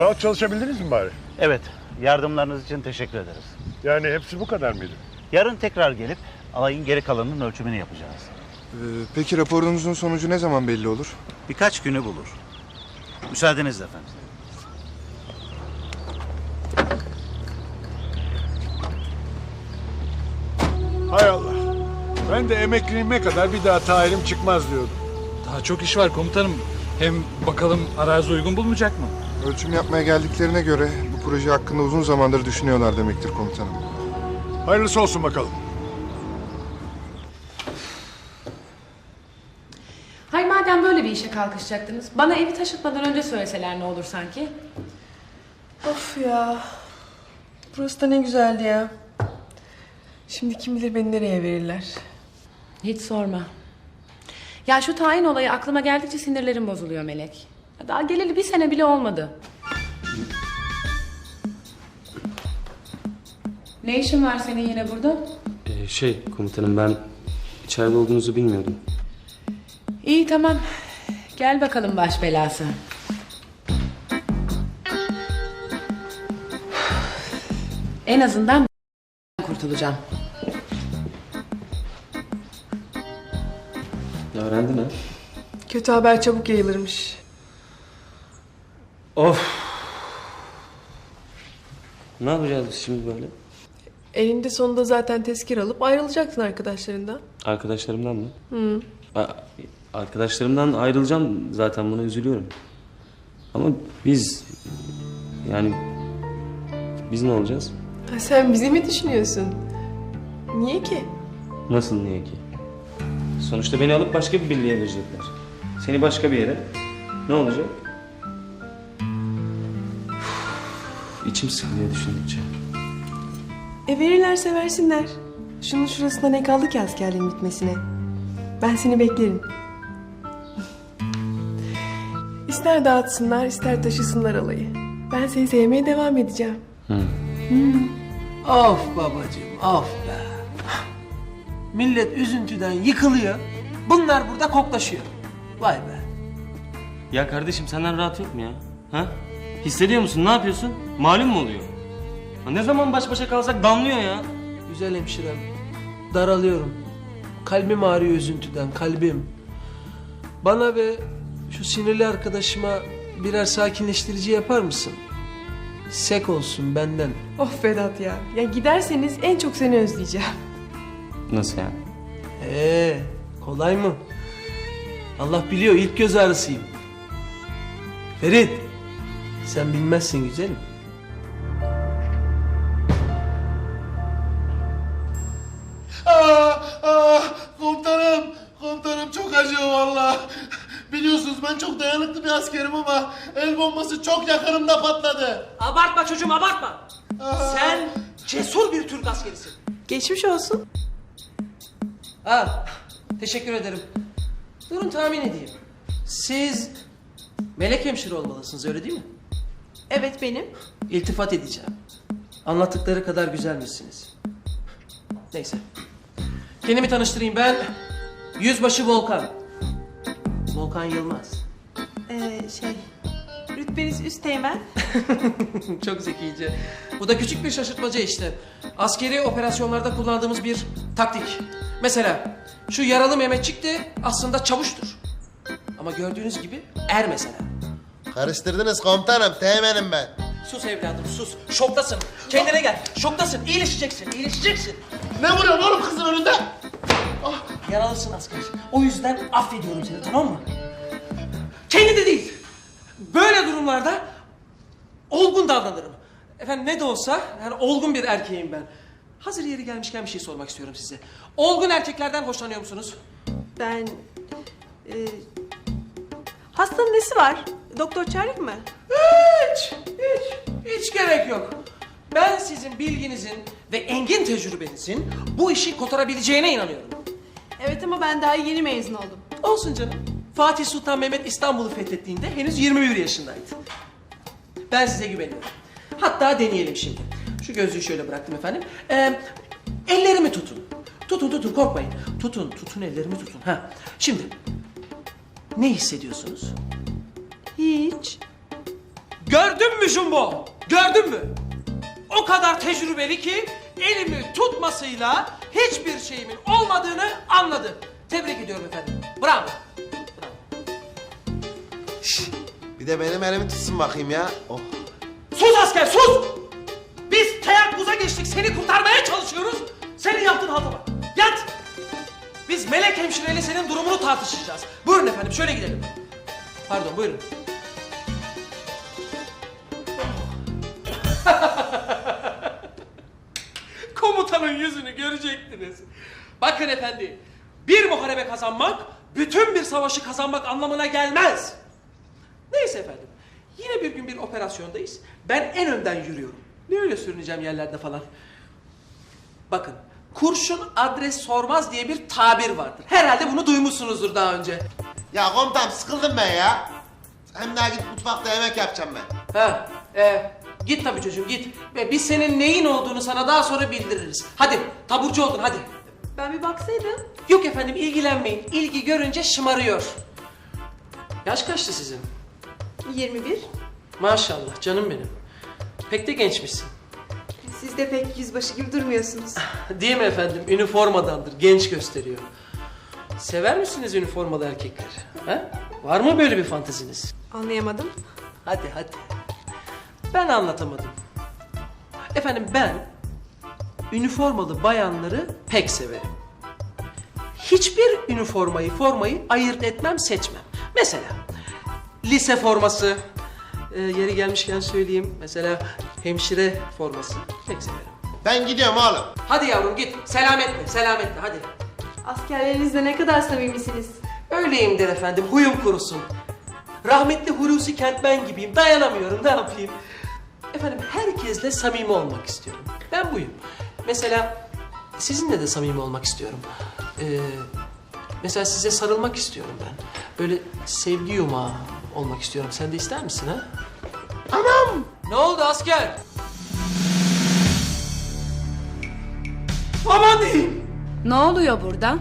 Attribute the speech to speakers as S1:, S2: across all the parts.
S1: Rahat çalışabildiniz mi bari?
S2: Evet, yardımlarınız için teşekkür ederiz.
S1: Yani hepsi bu kadar mıydı?
S2: Yarın tekrar gelip alayın geri kalanının ölçümünü yapacağız.
S3: Peki raporunuzun sonucu ne zaman belli olur?
S2: Birkaç günü bulur. Müsaadenizle efendim.
S1: Hay Allah. Ben de emekliliğime kadar bir daha tayinim çıkmaz diyordum.
S4: Daha çok iş var komutanım. Hem bakalım arazi uygun bulmayacak mı?
S3: Ölçüm yapmaya geldiklerine göre bu proje hakkında uzun zamandır düşünüyorlar demektir komutanım.
S1: Hayırlısı olsun bakalım.
S5: Hay madem böyle bir işe kalkışacaktınız, bana evi taşıtmadan önce söyleseler ne olur sanki?
S6: Of ya. Burası da ne güzeldi ya. Şimdi kim bilir beni nereye verirler.
S5: Hiç sorma. Ya şu tayin olayı aklıma geldikçe sinirlerim bozuluyor Melek. Ya daha geleli 1 sene bile olmadı. Ne işin var senin yine burada?
S7: Komutanım ben içeride olduğunuzu bilmiyordum.
S5: İyi tamam. Gel bakalım baş belası. En azından kurtulacağım.
S7: Öğrendin ha?
S6: Kötü haber çabuk yayılırmış.
S7: Of! Ne yapacağız biz şimdi böyle?
S6: Elinde sonunda zaten tezkir alıp ayrılacaksın arkadaşlarından.
S7: Arkadaşlarımdan mı? Arkadaşlarımdan ayrılacağım zaten, buna üzülüyorum. Ama biz ne olacağız?
S6: Ha, sen bizi mi düşünüyorsun? Niye ki?
S7: Nasıl niye ki? Sonuçta beni alıp başka bir birliğe verecekler. Seni başka bir yere. Ne olacak? İçim sıkılıyor düşündükçe.
S6: Verirlerse versinler. Şunun şurasında ne kaldı ki askerliğin bitmesine? Ben seni beklerim. İster dağıtsınlar, ister taşısınlar alayı. Ben seni sevmeye devam edeceğim.
S8: Of babacığım, of be. Millet üzüntüden yıkılıyor. Bunlar burada koklaşıyor. Vay be.
S7: Ya kardeşim senden rahat yok mu ya? Ha? Hissediyor musun? Ne yapıyorsun? Malum mu oluyor? Ha, ne zaman baş başa kalsak damlıyor ya.
S8: Güzel hemşirem. Daralıyorum. Kalbim ağrıyor üzüntüden, kalbim. Bana ve şu sinirli arkadaşıma birer sakinleştirici yapar mısın? Sek olsun benden.
S6: Of Vedat ya. Ya giderseniz en çok seni özleyeceğim.
S7: Nasıl yani?
S8: Kolay mı? Allah biliyor, ilk göz ağrısıyım. Ferit, sen bilmezsin güzelim.
S9: Komutanım çok acıyor valla. Biliyorsunuz ben çok dayanıklı bir askerim ama el bombası çok yakınımda patladı.
S8: Abartma çocuğum, abartma. Sen cesur bir Türk askerisin.
S6: Geçmiş olsun.
S8: Teşekkür ederim. Durun tahmin edeyim. Siz melek hemşire olmalısınız, öyle değil mi?
S6: Evet benim.
S8: İltifat edeceğim. Anlattıkları kadar güzelmişsiniz. Neyse. Kendimi tanıştırayım, ben Yüzbaşı Volkan. Volkan Yılmaz.
S6: Rütbeniz üsteğmen.
S8: Çok zekice. Bu da küçük bir şaşırtmaca işte. Askeri operasyonlarda kullandığımız bir taktik. Mesela şu yaralı Mehmetçik de aslında çavuştur. Ama gördüğünüz gibi er mesela.
S9: Karıştırdınız komutanım, teğmenim ben.
S8: Sus evladım sus. Şoktasın. Kendine gel. Şoktasın. İyileşeceksin. İyileşeceksin.
S9: Ne vuruyorsun oğlum kızın önünde?
S8: Yaralısın asker. O yüzden affediyorum seni, tamam mı? Kendinde değil. Böyle durumlarda olgun davranırım. Efendim ne de olsa yani olgun bir erkeğim ben. Hazır yeri gelmişken bir şey sormak istiyorum size. Olgun erkeklerden hoşlanıyor musunuz?
S6: Ben... hastanın nesi var? Doktor çağırayım mı?
S8: Hiç gerek yok. Ben sizin bilginizin ve engin tecrübenizin bu işi kotarabileceğine inanıyorum.
S6: Evet ama ben daha yeni mezun oldum.
S8: Olsun canım. Fatih Sultan Mehmet İstanbul'u fethettiğinde henüz 21 yaşındaydı. Ben size güveniyorum. Hatta deneyelim şimdi. Şu gözlüğü şöyle bıraktım efendim. Ellerimi tutun. Tutun korkmayın. Tutun ellerimi tutun. Şimdi ne hissediyorsunuz?
S6: Hiç.
S8: Gördün mü Jumbo? Gördün mü? O kadar tecrübeli ki elimi tutmasıyla hiçbir şeyimin olmadığını anladı. Tebrik ediyorum efendim. Bravo.
S9: Bir de benim elimi tutsun bakayım ya. Oh.
S8: Sus asker sus! Biz teyakkuza geçtik, seni kurtarmaya çalışıyoruz. Senin yaptığın halta bak. Yat! Biz Melek hemşireyle senin durumunu tartışacağız. Buyurun efendim, şöyle gidelim. Pardon, buyurun. Komutanın yüzünü görecektiniz. Bakın efendi, bir muharebe kazanmak, bütün bir savaşı kazanmak anlamına gelmez. Neyse efendim, yine bir gün bir operasyondayız. Ben en önden yürüyorum. Ne öyle sürüneceğim yerlerde falan. Bakın, kurşun adres sormaz diye bir tabir vardır. Herhalde bunu duymuşsunuzdur daha önce.
S9: Ya komutanım sıkıldım ben ya. Hem daha git mutfakta yemek yapacağım ben.
S8: Ha, git tabii çocuğum git. Ve biz senin neyin olduğunu sana daha sonra bildiririz. Hadi, taburcu oldun hadi.
S6: Ben bir baksaydım.
S8: Yok efendim ilgilenmeyin. İlgi görünce şımarıyor. Yaş kaçtı sizin?
S6: 21.
S8: Maşallah canım benim. Pek de gençmişsin.
S6: Siz de pek yüzbaşı gibi durmuyorsunuz.
S8: Değil mi efendim? Üniformadandır. Genç gösteriyor. Sever misiniz üniformalı erkekler? Ha? Var mı böyle bir fanteziniz?
S6: Anlayamadım.
S8: Hadi. Ben anlatamadım. Efendim ben üniformalı bayanları pek severim. Hiçbir formayı ayırt etmem, seçmem. Mesela lise forması, yeri gelmişken söyleyeyim. Mesela hemşire forması pek severim.
S9: Ben gidiyorum oğlum.
S8: Hadi yavrum git. Selametle hadi.
S6: Askerlerinizle ne kadar samimisiniz.
S8: Öyleyimdir efendim, huyum kurusun. Rahmetli Hulusi Kentmen gibiyim, dayanamıyorum, ne yapayım? Efendim, herkesle samimi olmak istiyorum. Ben buyum. Mesela sizinle de samimi olmak istiyorum. Mesela size sarılmak istiyorum ben. Böyle sevgi yumağı olmak istiyorum. Sen de ister misin ha? Anam! Ne oldu asker? Aman diyeyim!
S5: Ne oluyor burada?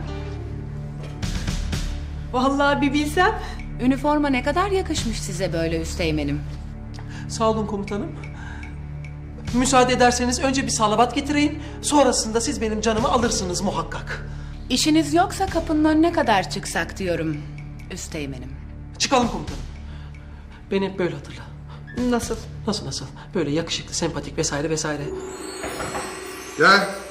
S6: Vallahi bir bilsem.
S5: Üniforma ne kadar yakışmış size böyle üsteğmenim.
S8: Sağ olun komutanım. Müsaade ederseniz önce bir salavat getireyim. Sonrasında siz benim canımı alırsınız muhakkak.
S5: İşiniz yoksa kapının önüne kadar çıksak diyorum üsteğmenim.
S8: Çıkalım komutanım. Beni hep böyle hatırla.
S6: Nasıl?
S8: Nasıl? Böyle yakışıklı, sempatik vesaire.
S3: Gel.